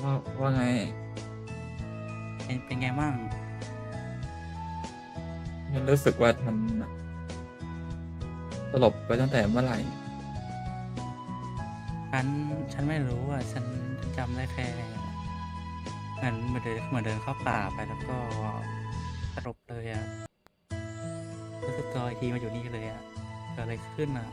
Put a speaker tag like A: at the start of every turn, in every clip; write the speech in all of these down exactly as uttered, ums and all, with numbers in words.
A: ว่าว่าไง
B: เป็นเป็นไงบ้าง
A: ฉันรู้สึกว่ามันสลบไปตั้งแต่เมื่อไหร่
B: ฉันฉันไม่รู้อ่ะฉันจำได้แค่เหมือนเหมือนเดินเหมือนเดินเข้าป่าไปแล้วก็สลบเลยอ่ะรู้สึกตัวอีกทีมาอยู่นี่เลยอ่ะเกิดอะไรขึ้นอ่ะ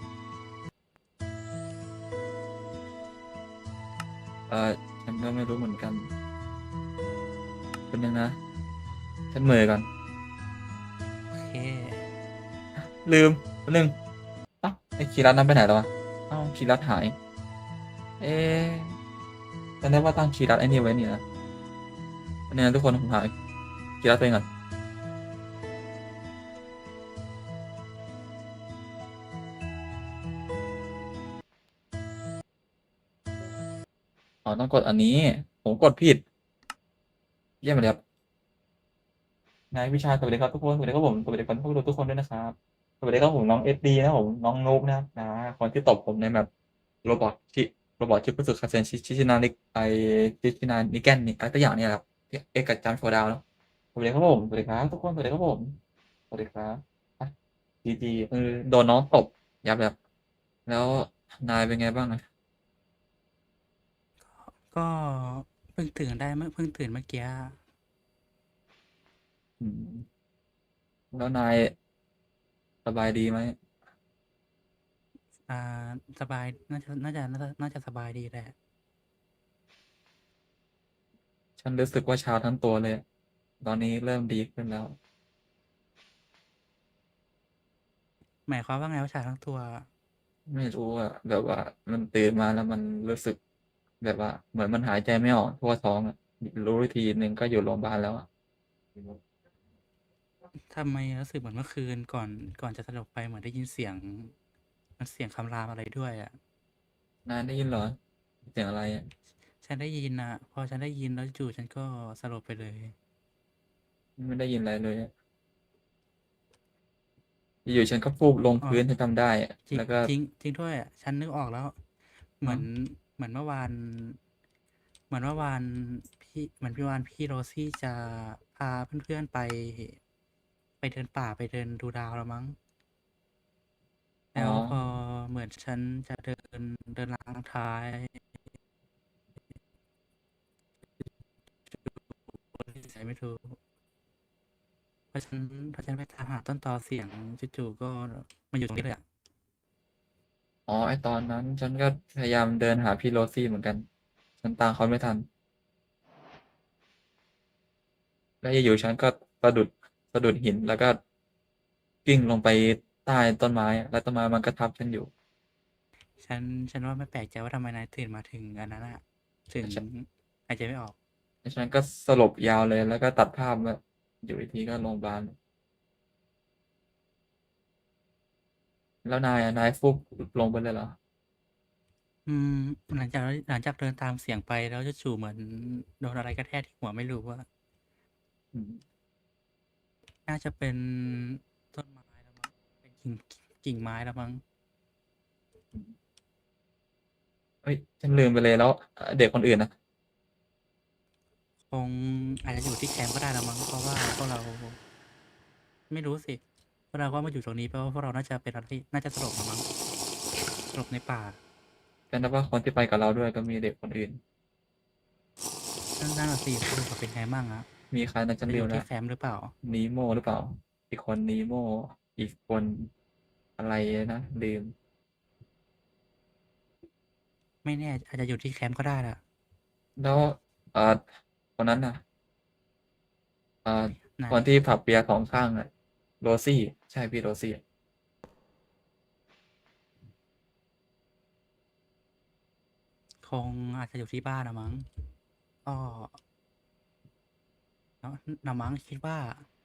A: เออฉันก็ไม่รู้เหมือนกันเป็นยังนะฉันเหม่อก่อน
B: โอเค
A: ลืมแป๊บนึงเอ้าไอ้คีรัตนั้นไปไหนแล้ววะเอ้าคีรัตหายเอ๊ะจำได้ว่าตั้งคีรัตไอ้นี่ไว้นี่นะเนี่ยทุกคนผมหายคีรัตไปก่อนอ๋อต้องกดอันนี้ผมกดผิดเยี่ยมเลยครับนายวิชาสวัสดีครับทุกคนสวัสดีครับผมสวัสดีคนทุกทุกคนด้วยนะครับสวัสดีครับผมน้องเอสดีนะผมน้องนุ๊กนะครับนะคนที่ตบผมในแบบโรบอทที่โรบอทที่รู้สึกคาเซนชิชิชินานิกไอชิชินานิแกนนี่อะไรตัวอย่างเนี่ยครับที่เอกกับจันโฟดาวเนาะสวัสดีครับผมสวัสดีครับทุกคนสวัสดีครับผมสวัสดีครับอ่ะจีจีเออโดนน้องตบยับยับแล้วนายเป็นไงบ้างอะ
B: ก็เพิ่งตื่นได้เมื่อเพิ่งตื่นเมื่อกี้
A: อืมแล้วนายสบายดีไหม
B: อ่าสบายน่าจะน่าจะน่าจะน่าจะสบายดีแหละ
A: ฉันรู้สึกว่าชาทั้งตัวเลยตอนนี้เริ่มดีขึ้นแล้ว
B: หมายความว่าไงว่าชาทั้งตัว
A: ไม่รู้อะแบบว่ามันตื่นมาแล้วมันรู้สึกแบบว่าเหมือนมันหายใจไม่ออกทั่วท้องอะรู้วิธีหนึ่งก็อยู่โรงพยาบาลแล้วอะ
B: ทำไมรู้สึกเหมือนเมื่อคืนก่อนก่อนจะสลบไปเหมือนได้ยินเสียงมันเสียงคำรามอะไรด้วยอ่ะ
A: นายได้ยินเหรอเสียงอะไรอะ
B: ฉันได้ยินนะพอฉันได้ยินแล้วจู่ฉันก็สลบไปเลย
A: ไม่ได้ยินอะไรเลยอะอยู่ๆฉันก็ฟูบลง
B: อ๋อ
A: พื้นฉันจำได้อะ
B: จริง
A: แล้วก็
B: จริงจริงด้วยอะฉันนึกออกแล้วเหมื
A: อ๋อ
B: อนเหมือนเมื่อวานเหมือนเมื่อวานพี่เหมือนพี่วานพี่โรซี่จะพาเพื่อนๆไปไปเดินป่าไปเดินดูดาวแล้วมั้ง
A: อ๋อ
B: แล้วพอเหมือนฉันจะเดินเดินล้างท้ายที่ไหนไม่รู้เพราะฉันเพราะฉันไปตามหาต้นตอเสียงจู่ๆก็มาอยู่ตรงนี้เลยอะ
A: อ๋อไอตอนนั้นฉันก็พยายามเดินหาพี่โรซี่เหมือนกันฉันตามเขาไม่ทันแล้วอยู่ๆฉันก็สะดุดสะดุดหินแล้วก็กิ้งลงไปใต้ต้นไม้อะแล้วต้นไม้มันก็ทับฉันอยู่
B: ฉันฉันว่าไม่แปลกใจว่าทำไมนายตื่นมาถึงอันนั้นอะถึงหายใจไม่ออก
A: แล้วฉันก็สลบยาวเลยแล้วก็ตัดภาพแบบอยู่อีกทีก็โรงพยาบาลแล้วนายอะนายฟุบลงไปเลยเหรอ
B: อืมหลังจากหลังจากเดินตามเสียงไปแล้วจู่ๆเหมือนโดนอะไรกระแทกที่หัวไม่รู้ว่า
A: อืม
B: น่าจะเป็นต้นไม้แล้วมั้งเป็นกิ่งกิ่งไม้แล้วมั้ง
A: อืมเฮ้ยฉันลืมไปเลยแล้วเอ่อเด็กคนอื่นนะ
B: คงอาจจะอยู่ที่แคมป์ก็ได้แล้วมั้งเพราะว่าพวกเราไม่รู้สิพวกเราก็มาอยู่ตรงนี้เพราะว่าพวกเราน่าจะเป็นอะไรที่น่าจะสลบแล้วมั้งสลบในป่า
A: แต่นับว่าคนที่ไปกับเราด้วยก็มีเด็กคนอื่น
B: นั่นนั่นน่ะสิสรุปว่าเป็นไงมั่งอะ
A: มีใครนะฉัน
B: จะอยู่ที่
A: ลืมแล้ว
B: แคมป์หรือเปล่า
A: นีโมหรือเปล่าอีกคนนีโมอีกคนอะไรนะลืม
B: ไม่แน่อาจจะอยู่ที่แคมป์ก็ได้ล่ะ
A: แล้วเอ่อคนนั้นน่ะเอ่อ
B: ไหน
A: คนที่ผับเบียร์สองข้างอ่ะโรซี่ใช่พี่โรซี่
B: คงอาจจะอยู่ที่บ้านนะมั้งก็เนาะนะมั้งคิดว่า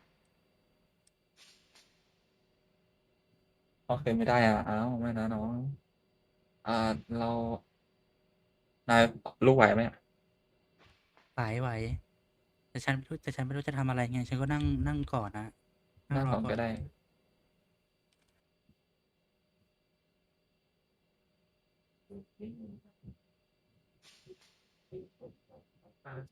A: เขาเคยไม่ได้อ่ะอ้าวไม่นะน้องอ่าเรานายลูกไหวไหม
B: ไหวไหวแต่ฉันไม่รู้แต่ฉันไม่รู้จะทำอะไรไงฉันก็นั่งนั่งก่อนนะนั่ง
A: นั่ง
B: รอก่อน
A: ก่อนก็ได้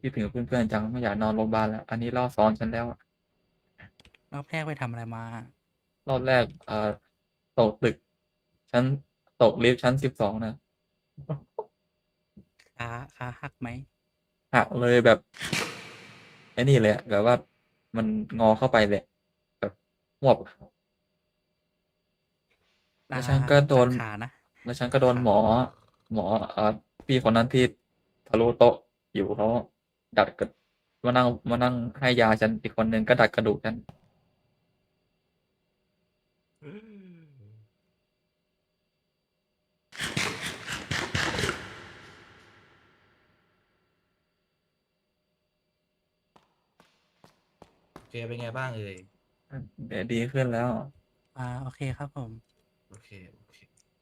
A: คิดถึงเพื่อนๆจังไม่อยากนอนโรงพยาบาลแล้ว อันนี้รอบสองฉันแล้วอะ
B: รอบแรกไปทำอะไรมา
A: รอบแรก เอ่อ ตกตึก ชั้น ตกลิฟต์ชั้น สิบสอง นะ
B: ขา ขาหักไหม?
A: หักเลยแบบ ไอ้นี่เลยอะ แบบว่ามันงอเข้าไปเลย แบบฮวบ แล
B: อ้า
A: วฉันก็โดน
B: ตัดขานะ
A: แล้วฉันก็โดน
B: ขา
A: หมอ หมอ เอ่อ พี่คนนั้นที่ทะลุโต๊ะอยู่เขาดัดกระ มานั่ง มานั่งให้ยาฉัน อีกคนหนึ่งก็ดัดกระดูกฉัน
C: โอเค เป็นไงบ้างเอ่ย?
A: อืม เดี๋ยวดีขึ้นแล้ว
B: อา โอเคครับผม
C: โอเค โอเค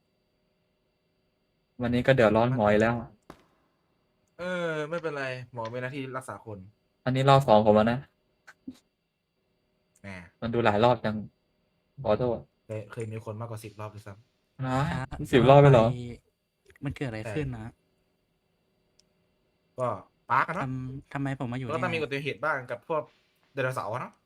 A: วันนี้ก็เดือดร้อนหมออีกแล้ว
C: เออ ไม่เป็นไร หมอมีหน้าที่รักษาคน
A: อันนี้รอบ สอง ผมแล้วนะ
C: แหม
A: มันดูหลายรอบจัง ขอโทษ
C: เคย เคยมีคนมากกว่า สิบ รอบด้วยซ้ำ
A: ว้าย
B: ช้า
A: สิ
B: จะ
A: บ
B: ว่
A: รอ
B: าไป
A: บเลยเหรอ?
B: มันเกิดอะไร
C: ใช่
B: ขึ้นนะ?
C: ก็ Spark อะ
B: ท
C: เนาะ
B: ำ ทำไมผมมาอยู่
C: มันก็
B: นี่
C: ต้องมี
B: อะ?
C: อุบัติเหตุบ้างกับพวกไดโนเสาร์อะเนาะ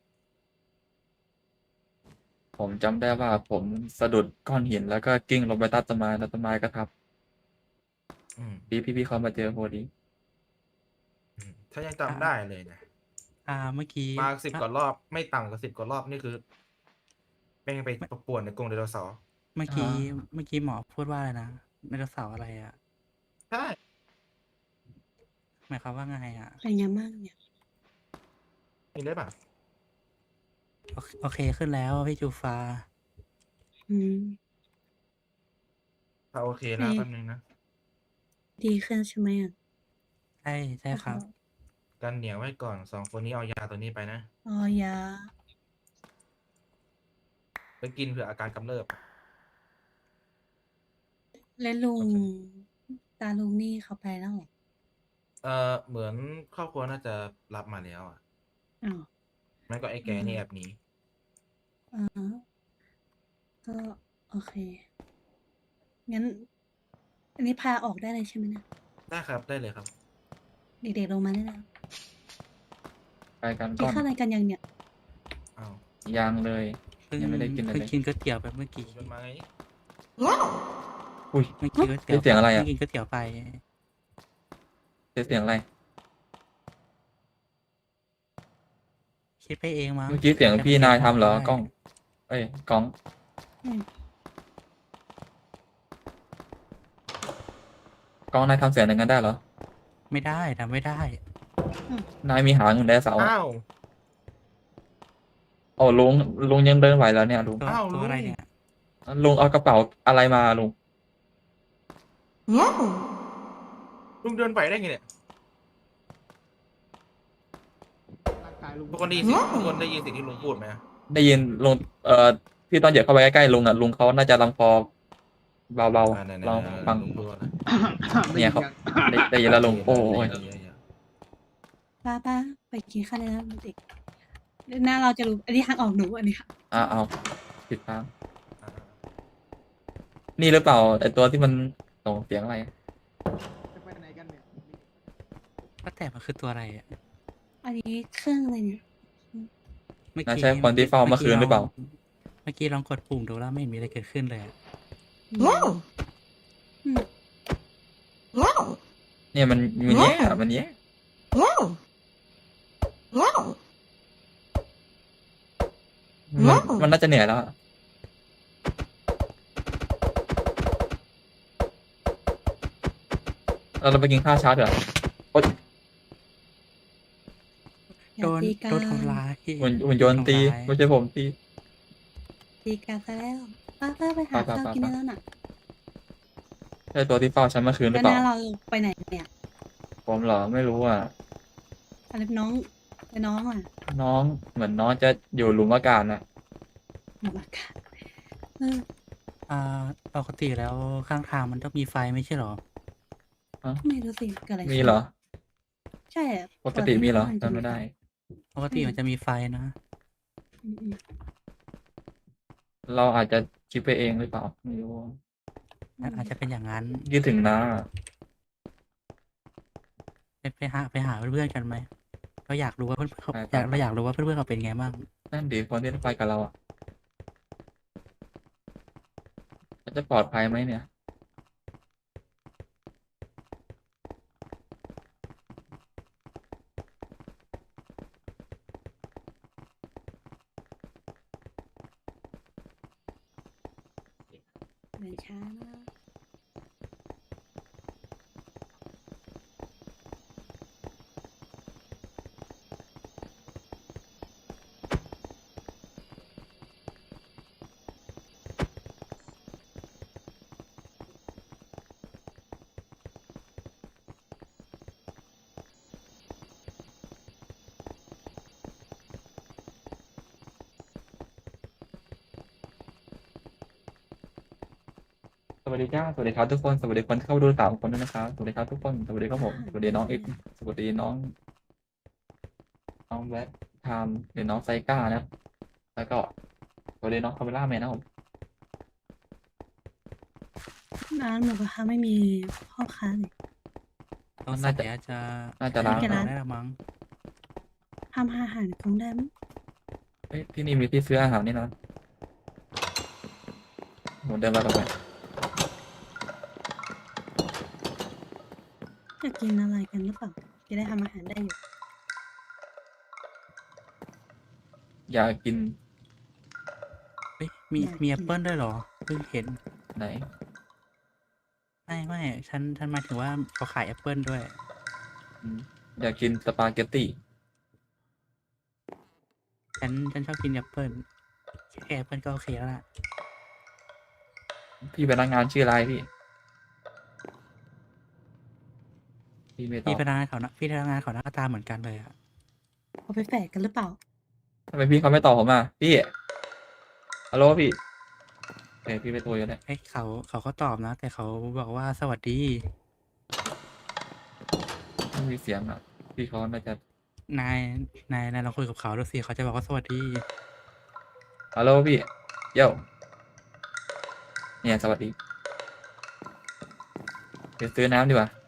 A: ผมจำได้ว่า ผมสะดุดก้อนหิน แล้วก็กลิ้งลงไปใต้ต้นไม้ แล้วต้นไม้ก็ทับ
C: อืม
A: ดีพี่ ๆ เขามาเจอพอดี
C: อืม ฉันยังจ
B: อา
C: ำได้เลยนะ
B: อ่า เมื่อกี้
C: มา สิบ
B: อ
C: กว่ารอบ ไม่ต่ำกว่า สิบ กว่ารอบ นี่คือ แม่งไป
B: ไม่
C: ป ป่วนในกรงไดโนเสาร์
B: เมื่อ
A: อ
B: กี้
A: า
B: เมื่อกี้หมอพูดว่าอะไรนะ ไดโนเสาร์อะไรอะ?
C: ใช่
B: หมายความว่าไงอะ?
D: เป็นไงมั่งเนี่ย?
C: กินได้เปล่า?
B: โอ โอเคขึ้นแล้วพี่จูฟ้า
D: อืม
C: ถ้าโอเค
D: เ
C: นะ
D: อ๊
C: แป๊บหนึ่งนะ
D: ดีขึ้นใช่ไหมอะ?
B: ใช่ ใช่
D: โอ้โ
B: ค
D: ฮ
B: รับ
C: กันเหนียวไว้ก่อน สอง คนนี้เอายาตัวนี้ไปนะ
D: อ๋อ ยา
C: ไปกินเผื่ออาการกำเริบ
D: แล้วลุ
C: โองเค
D: ตาลุงนี่เขาไปแล้วเหรอ?
C: เอ่อ เหมือนครอบครัวน่าจะรับมาแล้วอะ
D: อ้าว
C: ไม่ก็ไอ้
D: อ
C: แกืนี่
D: ม
C: แอบหนี
D: อะฮะ ก็ โอเค งั้น อันนี้พาออกได้เลยใช่ไหมเนี่ย?
C: ได้ครับ ได้เลยครับ
D: เด็ก ๆ ลงมาได้แล้ว
A: ไปกัน
D: กิ
A: ก
D: น้
A: อน
D: ข้าวอะไรกันยังเนี่ย?
C: อ้าว
A: ยังเลย
B: เพิ่ง
A: ยังไม่ได้กิน
B: เ
A: อะ
B: พิ่
A: ไ
B: ง
A: ร
B: กินก๋วยเตี๋ยวไปเมื่อกี้
C: ชวนมาไงนี่
A: อุ๊ย
B: เมื่อกี้ก๋วยเตี๋
A: ได้
B: ยว
A: เสียงอะไร
B: เพิ่
A: อะ?
B: งกินก๋วยเตี๋ยวไป
A: ได้เสียงอะไร?
B: คิดไปเองมั้ง
A: เมื่อกี้เสียง
B: อาจจะ
A: พี่น
B: เป็นเสียง
A: ายท
B: หมอ
A: ำเหร
B: ก็
A: อ?
B: ได้
A: กล้อง เอ๊ย ก๊อง
D: อืม
A: ก๊อง นายทำเสียงอย่างงั้นได้เหรอ?
B: ไม่ได้ ทำไม่ได้
D: อืม
A: นายมีหางเหมือนไดโนเสาร์อ
C: อ้า
A: ะ
C: ว!
A: โอ้ ลุง ลุงยังเดินไหวเหรอเนี่ยลุง?
B: ตัว
C: อ้าว
B: ตั
C: ล
B: วุ อะไร
C: ง
B: เนี่ย?
A: อา ลุงเอากระเป๋าอะไรมาอะลุง?
C: ลุงเดินไหวได้ไงเนี่ย?
E: ร่างกายลุง
C: ทุกคนได้ยินเสียง ทุกคนได้ยินสิ่งที่ลุงพูดไหมอะ?
A: ได้ยิน ลุง เอ่อ ที่ตอนเหยียบเข้าไปใกล้ ๆ ลุงอะ ลุงเขาน่าจะลำคอเบา
C: อา ไหน
A: ๆ ลอง
C: ๆ
A: ฟัง
C: ๆ ลุงพูดว่าอะไร?
E: ได
A: เ
E: ้
A: นี่
E: ย
A: ยิ
E: น
A: เขา
E: ยัง?
A: ได้ ได้ยินแล้วลุง โอ้ย
C: ได้ยินแล้ว
D: ป้า ๆ ไปกินข้าวได้แล้วเด็ก เดี๋ยวหน้าเราจะรู้ อันนี้ทางออกหนู อันนี้ค่ะ
A: อา อ้าว ผิดทาง
C: อา
A: นี่หรือเปล่า ไอ้ตัวที่มันส่งเสียงอะไร?
E: จะไปไหนกันเนี่ย?
B: ว่าแต่มันคือตัวอะไรอะ?
D: อันนี้เครื่องอะไรเนี่ย? อืม
B: เมื่อ
A: น่า
B: กี้
A: ใช่คนที่เฝ้าเมื่อคืนหรือเปล่า?
B: เมื่อกี้ลองกดปุ่มดูแล้วไม่เห็นมีอะไรเกิดขึ้นเลยอะ
D: อืม อืม
A: เนี่ยมัน มันแย่อะ มันแย่ มัน มันน่าจะเหนื่อยแล้วอะ เออ เราไปกินข้าวเช้าดีกว่า โอ๊ย
D: อ
B: โด
D: ย่าน ตีกั
B: โดน
D: น
B: ทำร้าย
A: หุ่น หุ่นยนต์
B: ทำ
A: ตี
B: ร้าย
A: ไม่ใช่ผมตี
D: ตีกันซะแล้ว ป้า ๆ ไปหา
A: ไป
D: ข้าวกินได้
A: ๆ ๆ
D: แล้วน่ะ
A: ใช่ตัวที่เฝ้าฉันเมื่อคืนห
D: แล
A: รื
D: ้
A: อ
D: ว
A: เป
D: ห
A: ล่า?
D: น้าเราไปไหนเนี่ย?
A: ผมเหรอ? ไม่รู้อะ
D: อะไร น้อง แล้วน้องล่ะ?
A: น้อง เหมือนน้องจะอยู่หลุมอากาศน่ะ
D: หลุมอากาศ เออ
B: อ่า ปกติแล้วข้างทางมันต้องมีไฟไม่ใช่เหรอ?
A: ฮะ?
D: ไม่รู้สิ เกิดอะไร
A: มี
D: ขึ้น
A: เหรอ?
D: ใช่อะ
A: ปกติมีเหรอ?
D: ปกติข้างทางจะ
A: จำไ
D: มี
A: ม่ได้
D: ไฟ
B: ปกติมันจะมีไฟนะ
D: อืม ๆ
A: เราอาจจะคิดไปเองหรือเปล่า? ไม่รู้อะ
B: อา อาจจะเป็นอย่างงั้น
A: คิดถึงน้าอะ
B: ไปไปหาไปหาเพื่อนๆกันไหมเราอยากรู้ว่าเพื่อนเขา
A: ไป
B: อ
A: ไป
B: ยาก
A: ไป
B: เราอยากรู้ว่าเพื่อนๆเขาเป็นไงบ้าง
A: นั่นดีคนที่ไปกับเราอ่ะเขาจะปลอดภัยไหมเนี่ย
D: เดินช้านะ
A: สวัสดีจ้าสวัสดีครับทุกคนสวัสดีคนที่เข้ามาดูสามคนด้วยนะครับสวัสดีครับทุกคนสวัสดีครับผมสวัสดีน้องเอ็กซ์สวัสดีน้องน้องแบ็คไทม์หรือน้องไซก้านะครับแล้วก็สวัสดีน้องคาเมล่าแมนนะครับผม
D: ร้านหมูกระทะไม่มีพ่อค้าเลย
B: ต้อง
A: น่า
B: สั
A: จะ
B: ยจะ
A: น่าจะล้าง
D: แค่ร้าน
B: ได้ละมั้ง
D: ทำอาหารคงได้มั้ง
A: เอ้ยที่นี่มีที่ซื้ออาหารนี่นะผมเดินมาต่อไป
D: อยากกินอะไรกันหรือเปล่าจะได้ทำอาหารได้อยู่
A: อยากกิน
B: เฮ้ยมี
D: อยาก
B: มี
D: กิน
B: แอปเปิลด้วยเหรอเพิ่งเห็น
A: ไหน
B: ไม่ไม่ฉันฉันหมายถึงว่าเขาขายแอปเปิลด้วย
A: อืมอยากกินสปาเกตตี้
B: ฉันฉันชอบกินแอปเปิลแค่แอปเปิลก็โอเคแล้วล่ะ
A: พี่พนักงานชื่ออะไรพี่พี่ไม่ตอ
B: พี่
A: บ
B: พนักงานเขานะพี่พนักงานเขาหน้าตาเหมือนกันเลยอะ
D: เขาไปแฝดกันหรือเปล่า
A: ทำไมพี่เขาไม่ตอบผมอ่ะพี่ฮัลโหลพี่โอเคพี่ไปตัวอยู่เนี่ย
B: เอ้ยเขาเขาก็ตอบนะ แต่เขาบอกว่าสวัสดี
A: ไม่มีเสียงอ่ะพี่เขาน่าจะ
B: นายนายนายลองคุยกับเขาดูสิเขาจะบอกว่าสวัสดี
A: ฮัลโหลพี่เย้าเนี่ยสวัสดีเดี๋ยวซื้อน้ำดีกว่า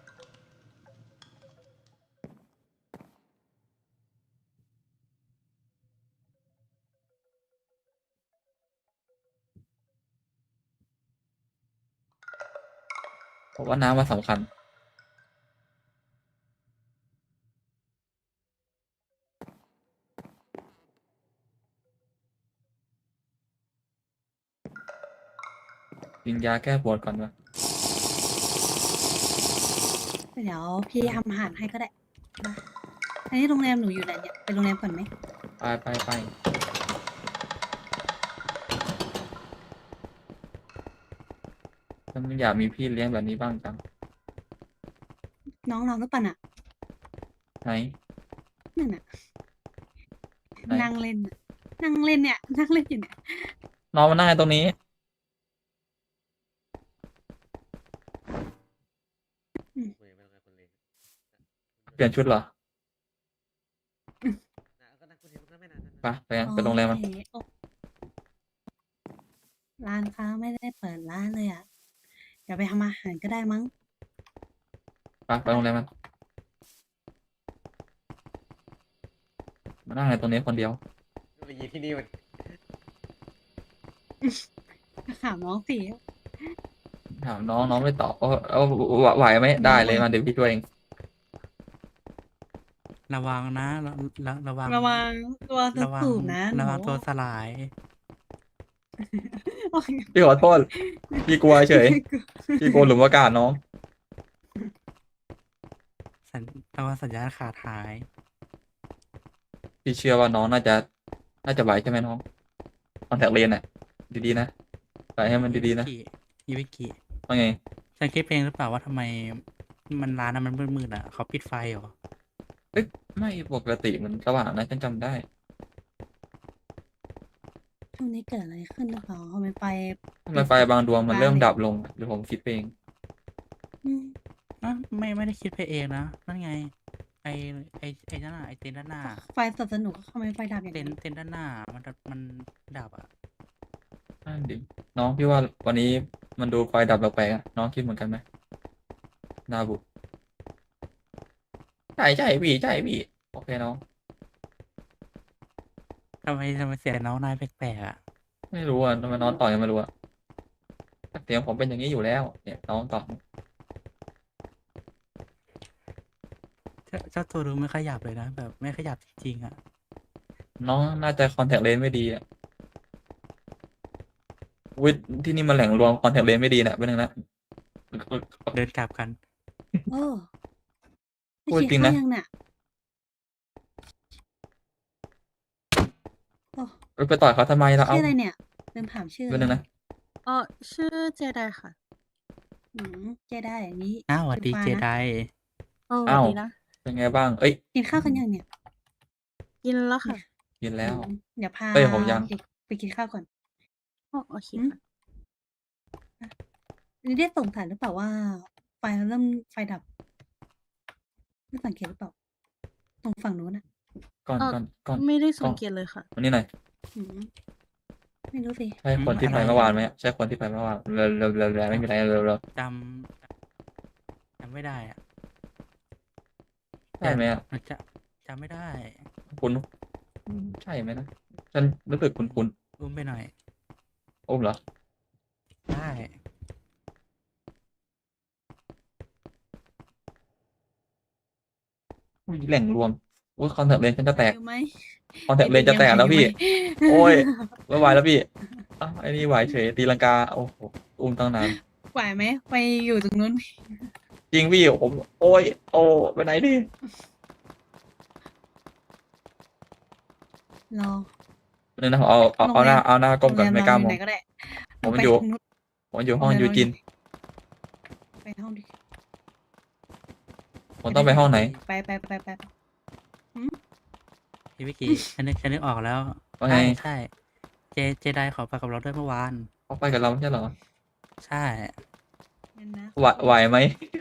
A: เพราะว่าน้ำมันสำคัญกินยาแก้ปวดก่อนวะ
D: เดี๋ยวพี่ทำอาหารให้ก็ได้มาอันนี้โรงแรมหนูอยู่ไหนเนี่ยไปโรงแรมก่อนไหม
A: ไปไปไปฉันอยากมีพี่เลี้ยงแบบนี้บ้างจัง
D: น้องเราหรือเปล่าน่ะ
A: ไหน
D: นั่นน่ะ
A: ไหน
D: นั่งเล่นน่ะนั่งเล่นเนี่ย นั่งเล่นอยู่เนี่ย
A: น้องมานั่งตรงนี้ เปลี่ยนชุดเหรอไปไปกันไปโรงแรมมัน
D: โอเคโอ้ร้านค้าไม่ได้เปิดร้านเลยอ่ะ เดี๋ยวไปทำอาหารก็ได้มั้ง
A: ไปไปโรงแรมมันมานั่งในตรงนี้คนเดียว
F: เทคโนโลยีที่นี่มัน
D: ถามน้องสิ
A: ถามน้องน้องไม่ตอบเอาเอาไหวไหมได้เลยมาเดี๋ยวพี่ช่วยเอง
B: ระวังนะระระระวัง
D: ระวังตัวจะ
B: ระวัง
D: สูบนะ
B: ระวัง
D: หนู
B: ตัวสลาย
D: โอเค
A: พี่ขอโทษพี่กลัวเฉยพี่กลัวหลุมอากาศน้อง
B: สัญระวังสัญญาณขาดหาย
A: พี่เชื่อว่าน้องน่าจะ น่าจะไหวใช่ไหมน้องคอนแทคเลนส์น่ะดีๆนะใส่ให้มันดีๆนะ
B: ยูวิกิ
A: ว่าไง
B: ฉันคิดเองหรือเปล่าว่าทำไมมันร้านนั้นมันมืดๆอ่ะเขาปิดไฟเหรอ
A: เอ้ยไม่ปกติมันสว่างนะฉันจำได้
D: ช่วงนี้เกิดอะไรขึ้นหรือเปล่าทำไมไฟ
A: ทำไมไฟบางดวงมันเริ่มดับลงหรือผมคิดไปเอง
D: อืม
B: อ่ะไม่ไม่ได้คิดไปเองนะนั่นไง ไอไอไอนั่นน่ะไอเต็นท์ด้านหน้า
D: ไฟสดสนุกทำไมไฟดับอย่าง
B: เต็น
D: นี้
B: ท์เต็นท์ด้านหน้า มันดับมันดับอ่ะ
A: นั่นดิน้องพี่ว่าวันนี้มันดูไฟดับแปลกๆอะน้องคิดเหมือนกันไหมนาบุใช่ใช่พี่ใช่พี่โอเคน้อง
B: ทำไมทำไมเสียงน้องนายแปลกๆอ่ะ
A: ไม่รู้อ่ะทำไมน้องต่อยกันไม่รู้อ่ะเสียงผมเป็นอย่างนี้อยู่แล้วเนี่ยน้องต่อ
B: เจ้าเจ้าตัวดูไม่ขยับเลยนะแบบไม่ขยับจริงๆอ่ะ
A: น้องน่าจะคอนแทคเลนส์ไม่ดีอ่ะวิทย์ที่นี่มันแหล่งรวมคอนแทคเลนส์ไม่ดีนะเป็นหนึ่งนะ
B: เดินกลับกัน
D: โอ้ไม่
A: พูด
D: คิด
A: จริง
D: เข้า
A: นะ
D: ยังน่ะโอ้
A: เอ้ยไปต่อยเขาทำไมล่ะ
D: ชื่
A: เอา
D: ออะไรเนี่ยลืมถามชื่อ
A: เป็นหนึ่งนะ
F: เออชื่อเจไดค่ะ
D: อืมเจได้อันนี้
B: อ้าวสวัสดี
D: ฟ้า
B: เจ
D: นะ
B: ได
F: เออสวั
A: อ้า
F: ส
A: ว
F: ดีนะ
A: เป็นไงบ้าง เอ้ย
D: กินข้าวกันยังเนี่ย
F: กินแล้วค่ะ
A: กินแล้ว
D: อืมเดี๋ยวพา
A: เอ้ยผมยัง
D: เด็กไปกินข้าวก่อน
F: อ๋อโอเค
D: อืม
F: ค่ะ
D: อันนี้ได้สงสัยหรือเปล่าว่า ไฟเริ่มไฟดับไม่สังเกตหรือเปล่า ตรงฝั่งนู้นน่ะ
A: ก่อน
F: เออ
A: ก่อนก่อน
F: ไม่ได้
A: ก่
F: สั
A: อง น
F: เกตเลยค่ะ
A: วันนี้หน่อย
D: อืมไม่รู้สิ
A: ใช่คนที่ไปเมื่อวานไหมใช่คนที่ไปเมื่อวานเร็วเร็วเร็วเร็วไม่มีอะไรเร็วเร็ว
B: จำจำไม่ได้อ่ะ
A: ใช่ไหมอ่ะ
B: มันจะจำไม่ได้
A: คุณอืมใช่ไหมนะฉันรู้สึกคุณคุณ
B: อุ้มไปหน่อย
A: อุ้มเหรอ
B: ได้
A: อุ้ยแหล่งรวมอุ้ยคอนแทคเลนส์ฉันจะแตก
D: ไหวอยู่ไหม
A: คอนแทคเลนส์จะแตกแล้วพี่ โอ้ยไม่ไหวแล้วพี่อ้าวไอ้นี่ไหวเฉยตีลังกาโอ้โหอุ้มตั้งนาน
D: ไหวไหมไปอยู่ตรงนู้น
A: จริงพี่ผมโอ้ยโอ้ไปไหนดิ
D: รอ
A: นึงนะเอาเอาเอาหน้าเอาหน้าก้มก่อน
D: โรงแร
A: ไม่กล้าม
D: เร
A: อง
D: ไหนก็ได้
A: ผม
D: ไป
A: อยู่
D: ทางนู้น
A: ผมอยู่ห้อง
D: โรงแรม
A: ยูจิน
D: ไปห้องดิ
A: ผมต้องไปห้องไหน
D: ไปไปไปไปไป
B: พี่วิกกี้ ฉันนึกฉันนึกออกแล้ว
A: ว่าไง
B: ใช่ใช่เจเจไดขอไปกับเราด้วยเมื่อวาน
A: เขาไปกับเราไม่ใช่เหรอ
B: ใช่
D: งั้นนะ
A: ไหวไหวไหม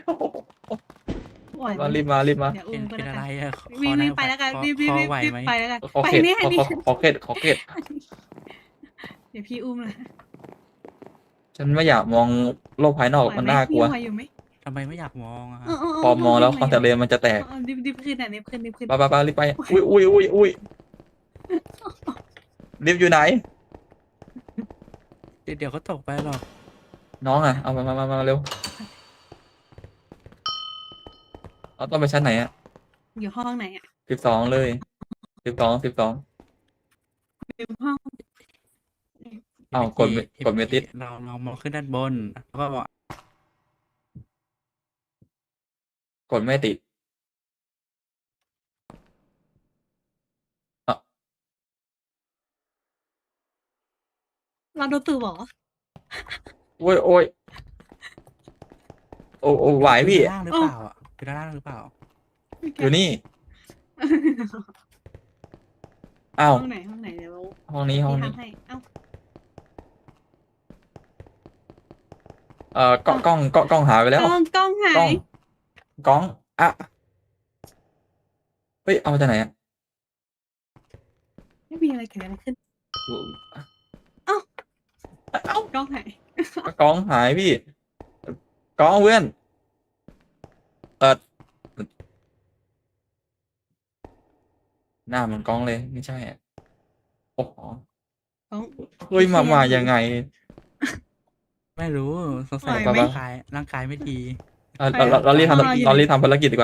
D: ไหวไหม
A: มารีบมารีบมา
D: เดี๋ยว
B: เป็
D: อุ้
B: น
D: มก็
B: เป็น
D: แล้ว
B: อะไร
D: กัน
B: อะขอ
D: วิ่ง
B: ขอ
D: วิ่
B: นั่
D: ง
B: ง
D: ไปแล้วกัน
B: ขอ
D: วิ่ง
B: ข
D: วิ่ง
B: อ
D: วิ่ง
B: ไหว
D: วิ่ง
B: ไหม
D: ไปแล้วกัน
A: ขอ
D: ไป
A: เข็ด
D: นี้
A: ข
D: อั
A: อน
D: นี้
A: ขอขอเข็ดขอเข็ด
D: เดี๋ยวพี่อุ้มนะ
A: ฉันไม่อยากมองโลกภายนอก
D: ไหว
A: มัน
D: ไหม
A: น่ากลัว
D: ไหวอยู่ไหม
B: ทำไมไม่อยากมองอะ
D: เออเออเ
A: พอมองแล้วคอนแทคเลนส์มันจะแตก
D: เออดิบดิบขึ้นอ่ะดิบขึ้นดิบขึ้น
A: ไปไปไปรีบไป อุ้ยอุ้ยอุ้ยอุ้ยรีบอยู่ไหน
B: เดี๋ยวเดี๋ยวก็ตกไปหรอก
A: น้องอ่ะ เอามามามามาเร็วเอาต้องไปชั้นไหนอ่ะ
D: อยู่ห้องไหนอ่ะ
A: สิบสองเลยสิบสองสิบสอง
D: อยู่ห้อง
A: อ้าวกดไม่กดไม่ติด
B: เราเรามองขึ้นด้านบนแล้วก็บอก
A: กดไม่ติดอ่ะ
D: เราโดนตื่นเหรอ
A: โอ้ยโอ้ยโอ้โอ้ไหวพี่
B: อยู่ด้านล่างหรือเปล่าอะอยู่ด้านล่างหรือเปล่า
A: อยู่นี่ อ้าว
D: ห้องไหนห้องไหนเดี๋ยว
A: ห้องนี้ห้อง
D: พี่
A: นี้
D: ทำให้เอ้า
A: เอ่อกล้องกล้องกล้องกล้องหายไป
D: ก
A: แล้ว
D: ล้องกล้องหาก
A: ล้อง
D: ย
A: กล้องอ่ะเฮ้ยเอามาจากไหนอ่ะ
D: ไม่มีอะไรเกิดอะไรขึ้น
A: เอ้าก
D: ล้องหาย
A: กล้องหายพี่กล้องเพื่อนเปิดหน้าเหมันกล้องเลยไม่ใช่อ่ะโอ้โห
D: กล้อง
A: เฮ้ยมามายังไง
B: ไม่รู้สงสัย
D: ไหวไหม
B: ร่างกายร่างกายไม่ดี
A: เราเราเราเรารีบทำ
D: รออยู่
A: เรารีบทำภารกิจดีกว่า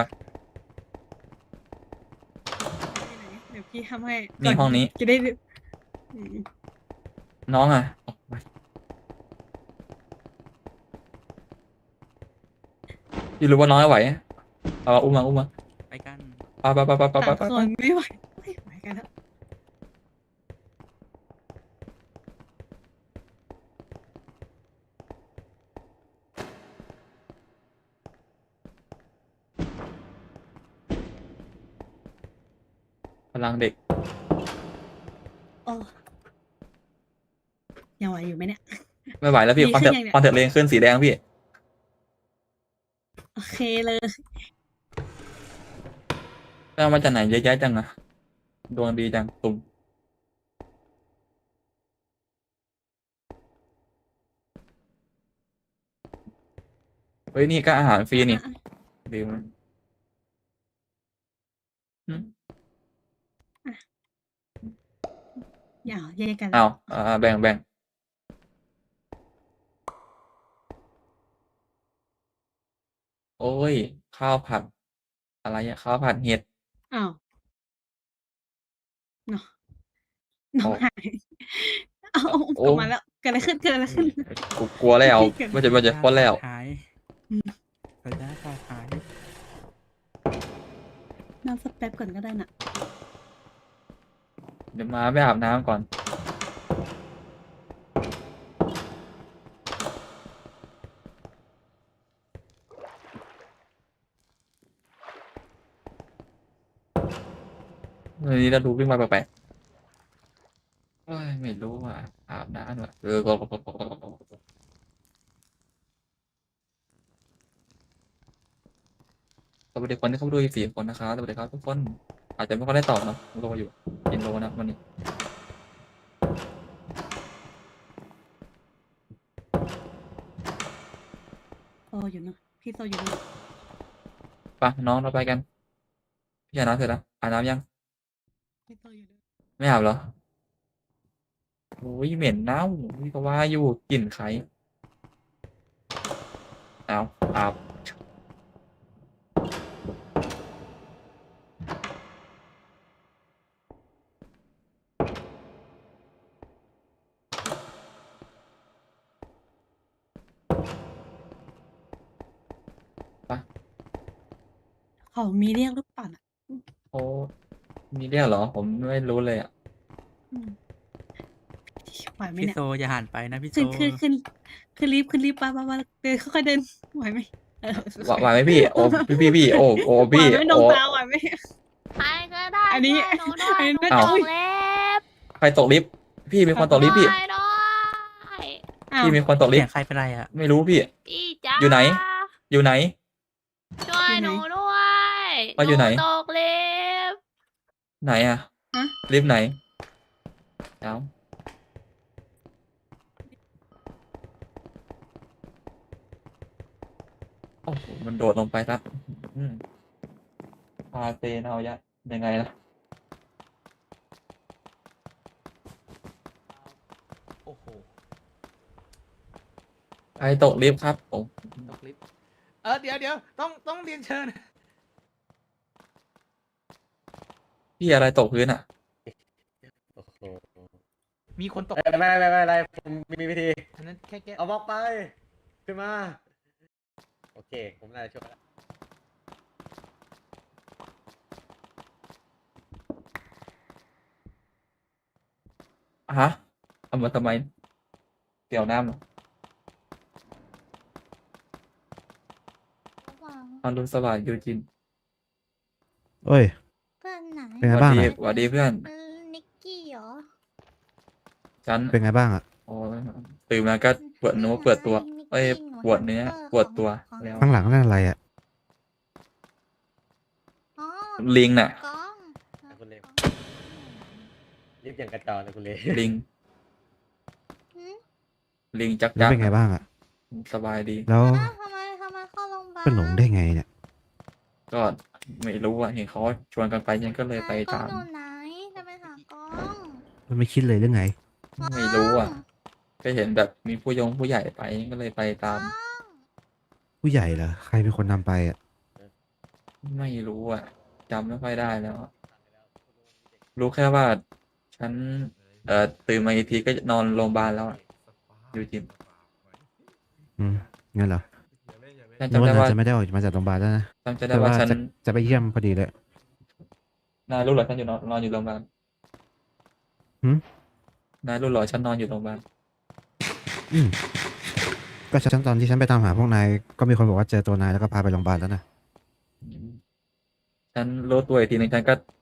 D: เดี๋ยวพี่ทำให้
A: นี่ห้องนี้
D: จะได้อืม
A: น้องอ่ะออกมาพี่รู้ว่าน้องไม่ไหวเอาอุ้มมาอุ้มมา
B: ไปกัน
A: ไปไปไปไปไปไป
D: ต่าง
A: ไป
D: คนไม่ไหวไม่ไหวกันแล้ว
A: พลังเด็ก
D: โอ้ยังไหวอยู่ไหมเนี่ย
A: ไม่ไหวแล้วพี่
D: ดี
A: คอน
D: ขึ้
A: เท
D: น
A: น
D: ยังเนี่ย
A: คอนเทนเลนขึ้นสีแดงพี่
D: โอเคเลย
A: ไปเอามาจากไหนเยอะแยะจังอะดวงดีจังตุ่มเฮ้ยนี่ก็อาหารฟรีนี่
D: อ่ะ
A: ดีมั้ยอืม
D: อย่าแยกกัน
A: เอาอ่าแบ่งแบ่งโอ้ย ข้าวผัด อะไรอะข้าวผัดเห็ด
D: อ้าวเนาะน้อง
A: โอ้
D: หายเอาเอา
A: โอ้
D: กลับมาแล้วเกิดอะไรขึ้นเกิดอะไรขึ้น
A: กูกลัวแล้ว
D: เกิด
A: มันจะมันจะพ้นแล้ว
B: หายเปิดได้ค่ะหาย
D: น้ำสเปปก่อนก็ได้น่ะ
A: เดี๋ยวมาไปอาบน้ำก่อน วันนี้เราดูวิ่งมาแปลกๆเอ้ยไม่รู้ว่า อาบน้ำว่ะเออก็ก็ก็ก็ก็ก็สวัสดีคนที่เข้ามาดูอีกสี่คนนะครับสวัสดีครับทุกคน อาจจะไม่ค่อยได้ตอบเนอะโลอยู่กินโลนะวันนี้
D: โซอยู่เนอะพี่โซอยู่เนอะ
A: ไปน้องเราไปกันพี่อาบน้ำเสร็จแล้วอาบน้ำยัง
D: พี่โซอยู่เนอะ
A: ไม่อาบเหรอโอ้ยเหม็นเน่าพี่ก็ว่าอยู่กลิ่นใครเอาอาบไป
D: เขามีเรียกหรือเปล่าน่ะ
A: โอ้มีเรียกเหรอ ผมไม่รู้เลยอ่ะ
D: อืมไหวไหม
B: พี่
D: เนี่ย
B: โซอย่าหันไปนะพี่โซ
D: ขึ้นขึ้นขึ้นขึ้นรีบขึ้นรีบป้าป้าป้าเดินค่อยๆเดินไหวไหมเออ
A: ไหวไหวไหมพี่ โอ้พี่พี่พี่โอ้โอ้
D: ไหว
A: พี่
D: ไหมน้อง
A: โอ้
D: ตาไหวไหม
F: ใครก็ได้
D: อันนี้
F: ช่วยหนูด้วย
D: อันนี้
F: หนู
D: ไม่
F: ต
D: ต้อง
F: กเล็บ
A: ใครตกลิฟต์พี่มีคนตกลิฟต์พี่
F: ช่วยด้วย
D: อ้าว
A: พี่มีคนตกลิ
B: เสี
A: ฟ
B: ยง
A: ต์
B: ใครเป็นไรอ่ะ
A: ไม่รู้พี่
F: พี่จ้า
A: อยู่ไหน อยู่ไหน
F: ช่วยหนูด้วย
A: ว่าอยู่ไหน
F: ตกเล็บ
A: ไหนอ่ะ
D: ฮะ
A: ลิฟต์ไหนเอ้าโอ้โหมันโดดลงไปครับอืมพาเซนเอายะยังไงล่ะ
C: โอ้โห
A: ใครตกลิฟต์ครับโอ้
C: ตกลิฟต์เออเดี๋ยวเดี๋ยวต้องต้องเรียนเชิญ
A: พี่อะไรตกพื้นอ่ะ
G: โอ้โห
C: มีคนตก
G: เอ้ยไม่ไม่ไม่ไม่ไม่ผมมีวิธี
C: อันนั้นแค่แก้
G: เอาบล็อกไป ขึ้นมา โอเค ผมน่าจะช่วยแล้ว
A: ฮะเอามาทำไมเกี่ยวน้ำเหรออรุณสวัสดิ์ยูจิน
H: เอ้ย
F: เพื่อนไหน
H: เป็น
A: ส
H: ไง
A: วัส
H: บ้าง
A: ดี
H: อะ
A: สวัสดีเพื่อน
F: เออนิกกี้เหรอ
A: ฉัน
H: เป็นไงบ้างอ่ะ
A: โอ้ยตื่นมาก็ปวดเนื้อปวดตัว เอ้ย ปวดเนื้อปวดตัวแล้ว
H: ข้างหลังนั่นอะไรอ่ะ
F: อ๋อ
A: ลิงน่ะ
F: กล้อง
G: คุณเลว รีบอย่างกระจอกเลยคุณเล
A: ลิง
F: หืม
A: ลิงจัก
H: แล้ว
A: จัก
H: เป็นไงบ้างอ่ะ
A: สบายดี
H: แล้ว
F: อ้าวทำไมทำไมเข้าโรงพยาบาล
H: เป็นหลงได้ไงเนี่ย
A: ก็ไม่รู้อ่ะเห็นเขาชวนกันไปฉันก็เลยไป
F: กล้อ
A: ตาง ม
F: อยู่ไหนจะไปหากล้อง
H: มันไม่คิดเลยเรื่องไง
A: ไม่รู้อ่ะ ก็เห็นแบบมีผู้ยงผู้ใหญ่ไปก็เลยไปตาม
H: ผู้ใหญ่เหรอ ใครเป็นคนนำไปอ่ะ
A: ไม่รู้อ่ะจำไม่ค่อยได้แล้ว รู้แค่ว่า ฉัน เอ่อตื่นมาอีกทีก็นอนโรงพยาบาลแล้วอะยูจิน
H: อืม งั้นเหรอ
A: ฉัน
H: นึก
A: จำได้
H: ว่า
A: ว่า
H: จะไม่ได้ออกมาจากโรงพยาบาลแล้วนะ
A: จำจะได้
H: แต่
A: ว่า
H: ว่า
A: ฉัน
H: จะจะไปเยี่ยมพอดีเลย
A: นายรู้เหรอฉันอยู่นอนนอนอยู่โรงพยาบาล
H: หืม
A: นายรู้เหรอฉันนอนอยู่โรงพยาบาล
H: อืม ก็ฉันตอนที่ฉันไปตามหาพวกนาย ก็มีคนบอกว่าเจอตัวนายแล้วก็พาไปโรงพยาบาลแล้วนะ
A: ฉันรู้ตัวอีกทีหนึงฉันก็